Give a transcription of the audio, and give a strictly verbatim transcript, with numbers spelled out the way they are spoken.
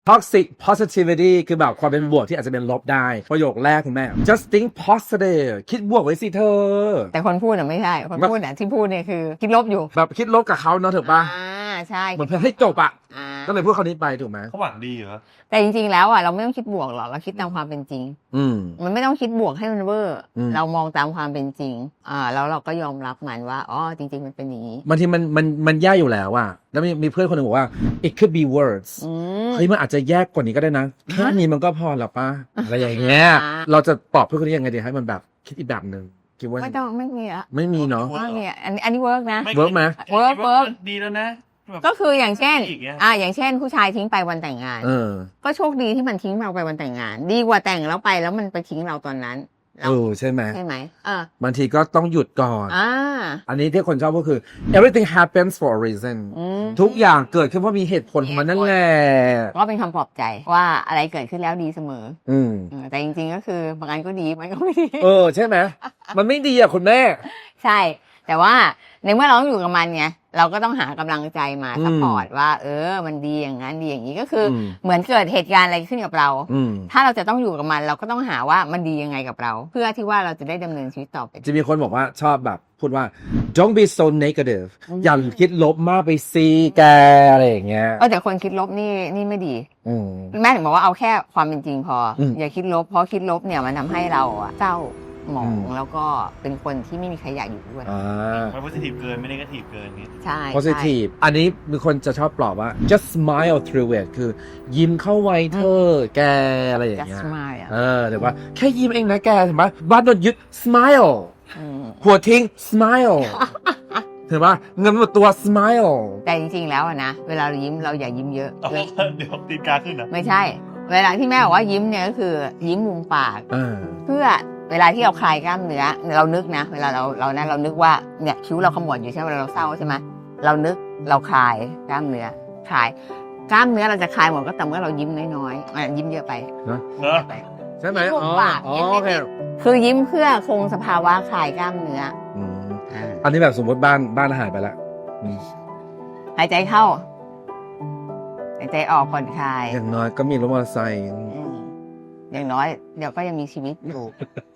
toxic positivity คือแบบความเป็นบวกที่อาจจะเป็นลบได้ประโยคแรกคุณแม่ just think positive คิดบวกไว้สิเธอแต่คนพูดอ่ะไม่ใช่คนพูดอ่ะที่พูดเนี่ยคือคิดลบอยู่แบบคิดลบกับเขาเนาะถูกปะอ่าใช่เหมือนเพื่อให้จบอะอ่าก็เลยพูดคำนี้ไปถูกไหมเขาหวังดีเหรอแต่จริงๆแล้วอ่ะเราไม่ต้องคิดบวกหรอกเราคิดตามความเป็นจริงอืมมันไม่ต้องคิดบวกให้มันเวอร์อืมเรามองตามความเป็นจริงอ่าแล้วเราก็ยอมรับมันว่าอ๋อจริงๆมันเป็นอย่างนี้บางทีมันมันมันแย่อยู่แล้วอะแล้วมีมีเพื่อนคนหนึ่งบอกว่า it could be worse อืมเฮ้ยมันอาจจะแย่กว่านี้ก็ได้นะแค่นี้มันก็พอแล้วป่ะอะไรอย่างเงี้ยอ่าเราจะตอบเพื่อนคนนี้ยังไงดีให้มันแบบคิดอีกแบบหนึ่งคิดว่าไม่ต้องไม่มีอะไม่มีเนาะไม่มีอะอันนี้อันนี้เวิร์กนะเวิร์กไหมเวิร์กเวิร์กดีแล้วนะแบบก็คืออย่างเช่นอีกเงี้ยอ่าอย่างเช่น ผู้ชายทิ้งไปวันแต่งงานเออก็โชคดีที่มันทิ้งเราไปวันแต่งงาน ดีกว่าแต่งแล้วไปแล้วมันไปทิ้งเราตอนนั้นเราเออใช่ไหมใช่ไหมเออบางทีก็ต้องหยุดก่อนอ่าอันนี้ที่คนชอบก็คือ everything happens for a reason อืมทุกอย่างเกิดขึ้นเพราะมีเหตุผลของมันนั่นแหละก็เป็นคำปลอบใจว่าอะไรเกิดขึ้นแล้วดีเสมออืมเออแต่จริงๆก็คือบางอันก็ดีบางอันก็ไม่ดีเออใช่ไหมมันไม่ดีอ่ะคุณแม่ใช่ แต่ว่าในเมื่อเราต้องอยู่กับมันไงเราก็ต้องหากำลังใจมาอืมซัพพอร์ตว่า เออ มันดีอย่างนั้นดีอย่างนี้ก็คืออมเหมือนเกิดเหตุการณ์อะไรขึ้นกับเราอืมถ้าเราจะต้องอยู่กับมัน เราก็ต้องหาว่ามันดียังไงกับเรา เพื่อที่ว่าเราจะได้ดำเนินชีวิตต่อไปจะมีคนบอกว่าชอบแบบพูดว่า don't be so negative อืมอย่าคิดลบมากไปซีแกอะไรอย่างเงี้ยเออแต่คนคิดลบนี่นี่ไม่ดีอืมแม่ถึงบอกว่าเอาแค่ความเป็นจริงพออมอย่าคิดลบเพราะคิดลบเนี่ยมันทำให้เราอะเศร้าหมองอืมแล้วก็เป็นคนที่ไม่มีใครอยากอยู่ด้วยอ่าไม่โพสิทีฟเกินไม่ได้ก็ทีฟเกินอย่างงี้ใช่ positive อันนี้มีคนจะชอบปลอบว่า just smile through it คือยิ้มเข้าไว้เธอแกอะไรอย่างจะเงี้ยสมายอ่ะเออเดี๋ยวว่าแค่ยิ้มเองนะแกเห็นไหมบ้านโดนยึด smile มหัวทิ้ง smile เห็นปะเงินหมดตัว smile แต่จริงๆแล้วอะนะเวลาเรายิ้มเราอย่ายิ้มเยอะเอาเลยเดี๋ยวตีนกาขึ้นเหรอไม่ใช่ เวลาที่แม่บอกว่ายิ้มเนี่ยก็คือยิ้มมุมปากเออเพื่อเวลาที่เราคลายกล้ามเนื้อเรานึกนะ เวลาเราเรานะเรานึกว่าเนี่ยคิ้วเราขมวดอยู่ใช่ไหมเวลาเราเศร้าใช่ไหมเรานึกเราคลายกล้ามเนื้อคลายกล้ามเนื้อเราจะคลายหมดก็แต่เมื่อเรายิ้มน้อยๆอ่ะยิ้มเยอะไปเนอะเนอะไปใช่ไหมยิ้มอ๋มุอมปากอ๋อยิ้มโอเคนิดๆคือยิ้มเพื่อคงสภาวะคลายกล้ามเนื้ออืมอ่าอันนี้แบบสมมติบ้านบ้านหายไปแล้วอืมหายใจเข้าหายใจออกผ่อนคลายอย่างน้อยก็มีรถมอเตอร์ไซค์อืมอย่างน้อยเดี๋ยวก็ยังมีชีวิตอยู่